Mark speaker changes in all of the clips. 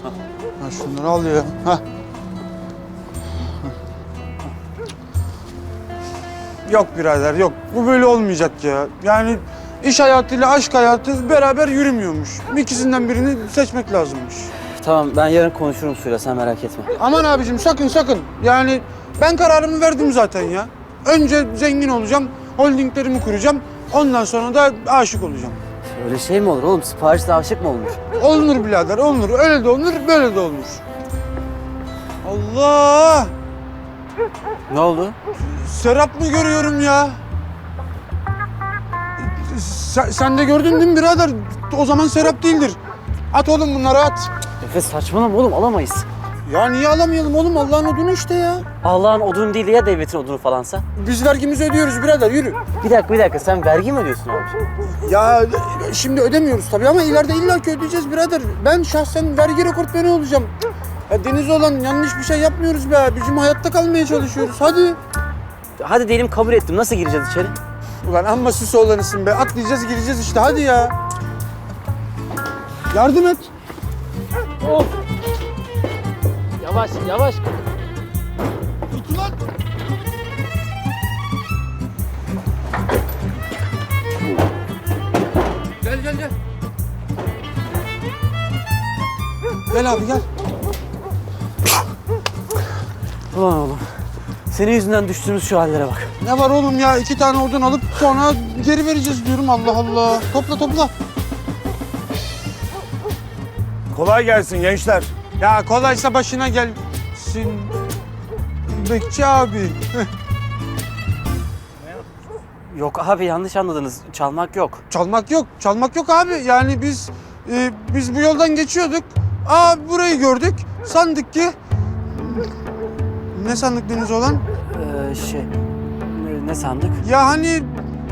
Speaker 1: Ha şunları al ya. Ha. Yok birader yok. Bu böyle olmayacak ya. Yani iş hayatıyla aşk hayatı beraber yürümüyormuş. İkisinden birini seçmek lazımmış.
Speaker 2: Tamam ben yarın konuşurum Suyla sen merak etme.
Speaker 1: Aman abicim sakın. Yani ben kararımı verdim zaten ya. Önce zengin olacağım, holdinglerimi kuracağım. Ondan sonra da aşık olacağım.
Speaker 2: Öyle şey mi olur oğlum? Siparişle aşık mı olmuş?
Speaker 1: Olunur birader, olunur. Öyle de olunur, böyle de olunur. Allah!
Speaker 2: Ne oldu?
Speaker 1: Serap mı görüyorum ya? Sen de gördün değil mi birader? O zaman Serap değildir. At oğlum bunları at.
Speaker 2: Efe saçmalama oğlum alamayız.
Speaker 1: Ya niye alamayalım oğlum? Allah'ın odunu işte ya.
Speaker 2: Allah'ın odunu değil ya devletin odunu falansa.
Speaker 1: Biz vergimizi ödüyoruz birader, yürü.
Speaker 2: Bir dakika sen vergi mi ödüyorsun abi?
Speaker 1: Ya şimdi ödemiyoruz tabii ama ileride illaki ödeyeceğiz birader. Ben şahsen vergi rekortmeni olacağım. Ya Deniz olan yanlış bir şey yapmıyoruz be. Bizim hayatta kalmaya çalışıyoruz. Hadi.
Speaker 2: Hadi diyelim kabul ettim. Nasıl gireceğiz içeri?
Speaker 1: Ulan amma süs oğlanısın be. Atlayacağız gireceğiz işte hadi ya. Yardım et.
Speaker 2: Of. Yavaş.
Speaker 1: Tut ulan. Gel. Gel abi gel.
Speaker 2: Ulan oğlum. Senin yüzünden düştüğümüz şu hallere bak.
Speaker 1: Ne var oğlum ya? 2 tane odun alıp sonra geri vereceğiz diyorum. Allah Allah. Topla.
Speaker 3: Kolay gelsin gençler.
Speaker 1: Ya kolaysa başına gelsin. Bekçi abi.
Speaker 2: Yok abi yanlış anladınız. Çalmak yok.
Speaker 1: Çalmak yok abi. Yani biz bu yoldan geçiyorduk. Burayı gördük. Sandık ki... Ne sandık Deniz olan?
Speaker 2: Ne sandık?
Speaker 1: Ya hani...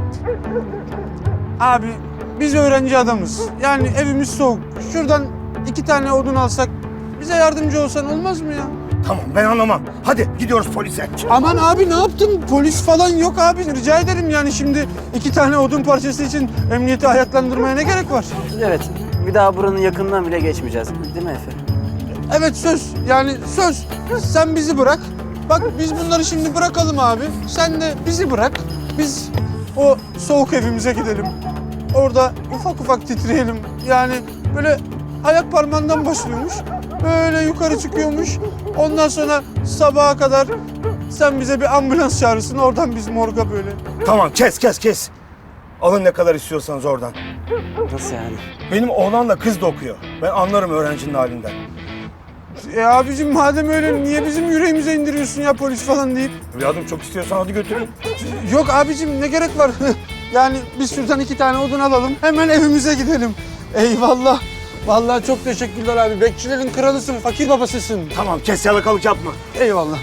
Speaker 1: Abi biz öğrenci adamız. Yani evimiz soğuk. Şuradan 2 tane odun alsak bize yardımcı olsan olmaz mı ya?
Speaker 3: Tamam ben anlamam. Hadi gidiyoruz polise.
Speaker 1: Aman abi ne yaptın? Polis falan yok abi. Rica ederim yani şimdi 2 tane odun parçası için emniyeti ayaklandırmaya ne gerek var?
Speaker 2: Evet. Bir daha buranın yakından bile geçmeyeceğiz. Değil mi Efe?
Speaker 1: Evet söz. Yani söz. Sen bizi bırak. Bak biz bunları şimdi bırakalım abi. Sen de bizi bırak. Biz o soğuk evimize gidelim. Orada ufak titreyelim. Yani böyle ayak parmağından başlıyormuş. Böyle yukarı çıkıyormuş. Ondan sonra sabaha kadar sen bize bir ambulans çağırırsın. Oradan biz morga böyle.
Speaker 3: Tamam kes. Alın ne kadar istiyorsanız oradan.
Speaker 2: Nasıl yani?
Speaker 3: Benim oğlanla kız da okuyor. Ben anlarım öğrencinin halinden.
Speaker 1: Abicim madem öyle niye bizim yüreğimize indiriyorsun ya polis falan deyip?
Speaker 3: Evladım çok istiyorsan hadi götürün.
Speaker 1: Yok abicim ne gerek var? Yani biz şuradan 2 tane odun alalım. Hemen evimize gidelim. Eyvallah. Vallahi çok teşekkürler abi. Bekçilerin kralısın, fakir babasısın.
Speaker 3: Tamam kes yalakalık yapma.
Speaker 1: Eyvallah.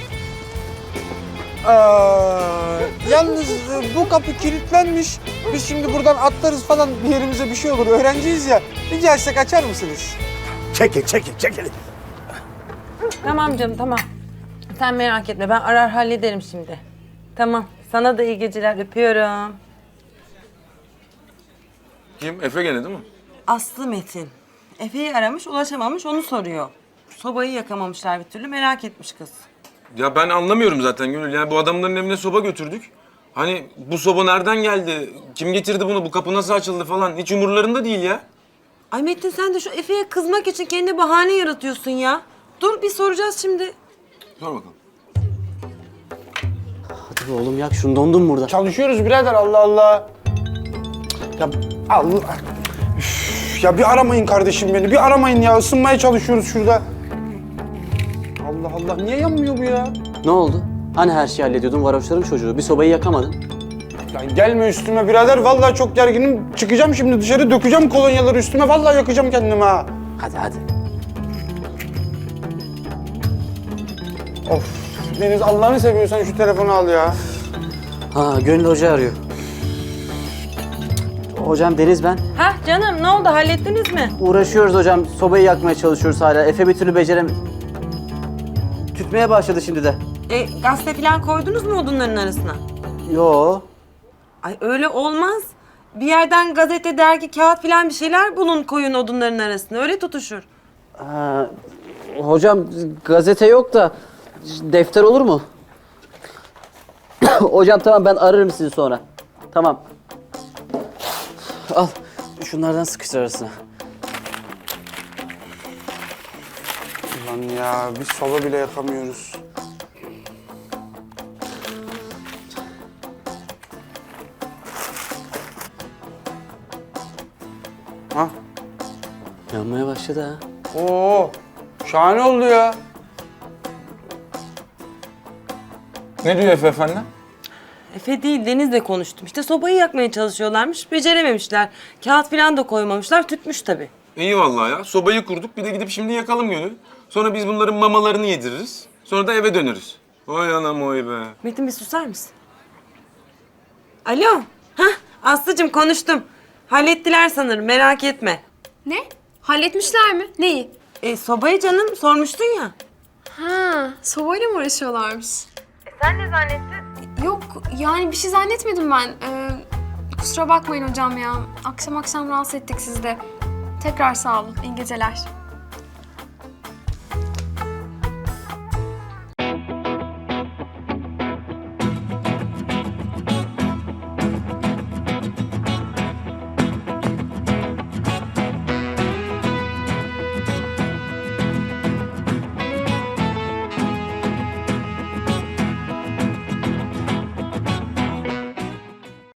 Speaker 1: Yalnız bu kapı kilitlenmiş. Biz şimdi buradan atlarız falan bir yerimize bir şey olur. Öğrenciyiz ya. Rica etsek açar mısınız?
Speaker 3: Çekil.
Speaker 4: Tamam canım tamam. Sen merak etme ben arar hallederim şimdi. Tamam. Sana da iyi geceler öpüyorum.
Speaker 5: Kim? Efe gene değil mi?
Speaker 4: Aslı Metin. Efe'yi aramış ulaşamamış onu soruyor. Sobayı yakamamışlar bir türlü merak etmiş kız.
Speaker 5: Ya ben anlamıyorum zaten Gönül. Yani bu adamların evine soba götürdük. Hani bu soba nereden geldi? Kim getirdi bunu? Bu kapı nasıl açıldı falan? Hiç umurlarında değil ya.
Speaker 4: Ay Metin sen de şu Efe'ye kızmak için kendi bahane yaratıyorsun ya. Dur bir soracağız şimdi.
Speaker 5: Sor bakalım.
Speaker 2: Hadi be oğlum yak şunu dondum burada.
Speaker 1: Çalışıyoruz birader Allah Allah. Ya Allah. Üf, ya bir aramayın kardeşim beni. Bir aramayın ya. Isınmaya çalışıyoruz şurada. Allah Allah. Niye yanmıyor bu ya?
Speaker 2: Ne oldu? Hani her şeyi hallediyordun varoşların çocuğu. Bir sobayı yakamadın.
Speaker 1: Ya gelme üstüme birader. Vallahi çok gerginim. Çıkacağım şimdi dışarı dökeceğim kolonyaları üstüme. Vallahi yakacağım kendimi ha.
Speaker 2: Hadi.
Speaker 1: Of. Deniz Allah'ını seviyorsan şu telefonu al ya.
Speaker 2: Gönül Hoca arıyor. Hocam Deniz ben.
Speaker 4: Hah canım ne oldu hallettiniz mi?
Speaker 2: Uğraşıyoruz hocam. Sobayı yakmaya çalışıyoruz hala. Efe bir türlü Tütmeye başladı şimdi de.
Speaker 4: Gazete falan koydunuz mu odunların arasına?
Speaker 2: Yo.
Speaker 4: Ay öyle olmaz. Bir yerden gazete, dergi, kağıt falan bir şeyler bulun koyun odunların arasına. Öyle tutuşur.
Speaker 2: Hocam gazete yok da defter olur mu? Hocam tamam, ben ararım sizi sonra. Tamam. Al şunlardan sıkıştır arasına.
Speaker 1: Ulan ya biz soba bile yakamıyoruz. Ha?
Speaker 2: Yanmaya başladı ha.
Speaker 1: Oo, şahane oldu ya.
Speaker 5: Ne diyor Efe efendi?
Speaker 4: Efe değil, Deniz'le konuştum. İşte sobayı yakmaya çalışıyorlarmış, becerememişler. Kağıt falan da koymamışlar, tütmüş tabii.
Speaker 5: İyi vallahi ya. Sobayı kurduk. Bir de gidip şimdi yakalım Gönül. Sonra biz bunların mamalarını yediririz. Sonra da eve döneriz. Vay anam oy be.
Speaker 4: Metin bir susar mısın? Alo. Hah, Aslı'cığım konuştum. Hallettiler sanırım, merak etme.
Speaker 6: Ne? Halletmişler mi? Neyi?
Speaker 4: Sobayı canım, sormuştun ya.
Speaker 6: Ha, sobayla mı uğraşıyorlarmış?
Speaker 4: Sen ne zannettin?
Speaker 6: Yok, yani bir şey zannetmedim ben. Kusura bakmayın hocam ya. Akşam rahatsız ettik sizi de. Tekrar sağ olun. İyi geceler.